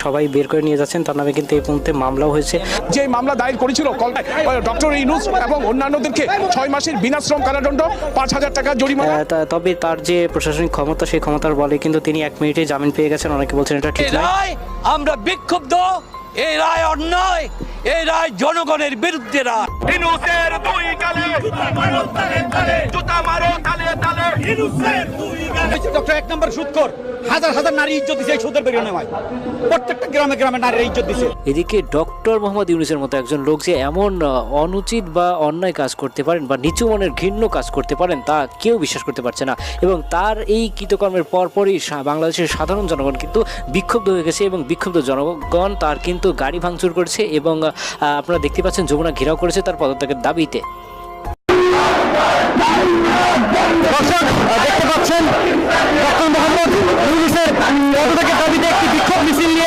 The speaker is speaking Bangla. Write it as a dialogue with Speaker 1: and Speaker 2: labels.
Speaker 1: সবাই বের করে নিয়ে যাচ্ছেন। তার নামে কিন্তু এই মুহূর্তে মামলাও হয়েছে।
Speaker 2: যে মামলা দায়ের করেছিল ডক্টর ইউনূস এবং অন্যান্যদেরকে 6 মাসের বিনাশ্রম কারাদণ্ড, 5,000 টাকা জরিমানা।
Speaker 1: তবে তার যে প্রশাসনিক ক্ষমতা, সেই ক্ষমতার বলে কিন্তু তিনি 1 মিনিটে জামিন পেয়ে গেছেন। অনেকে বলছেন এটা ঠিক নয়।
Speaker 3: আমরা বিক্ষুব্ধ, এই রায় অন্যায়, এই রায় জনগণের বিরুদ্ধে রায়।
Speaker 2: ইউনূসের দুই গালে জুতা মারো তালে তালে। ইউনূসের দুই গালে
Speaker 4: ডক্টর 1 নম্বর সুদখোর, হাজার হাজার নারী ইজ্জত দিছে এই সুদের বেরিয়ে নেওয়ায়। প্রত্যেকটা গ্রামে গ্রামে নারীর ইজ্জত দিছে।
Speaker 1: এদিকে ডক্টর মোহাম্মদ ইউনূসের মতো একজন লোক যে এমন অনুচিত বা অন্যায় কাজ করতে পারেন বা নিচু মনের ঘৃণ্য কাজ করতে পারেন তা কেউ বিশ্বাস করতে পারছে না। এবং তার এই কৃতকর্মের পরপরই বাংলাদেশের সাধারণ জনগণ কিন্তু বিক্ষুব্ধ হয়ে গেছে এবং বিক্ষুব্ধ জনগণ তার কিন্তু গাড়ি ভাঙচুর করেছে এবং আপনারা দেখতে পাচ্ছেন যমুনা ঘেরাও করেছে তার পদত্যাগের দাবিতে।
Speaker 4: দেখতে পাচ্ছেন ডক্টর মোহাম্মদ ইউনূসের পদত্যাগের দাবিতে একটি বিক্ষোভ মিছিল নিয়ে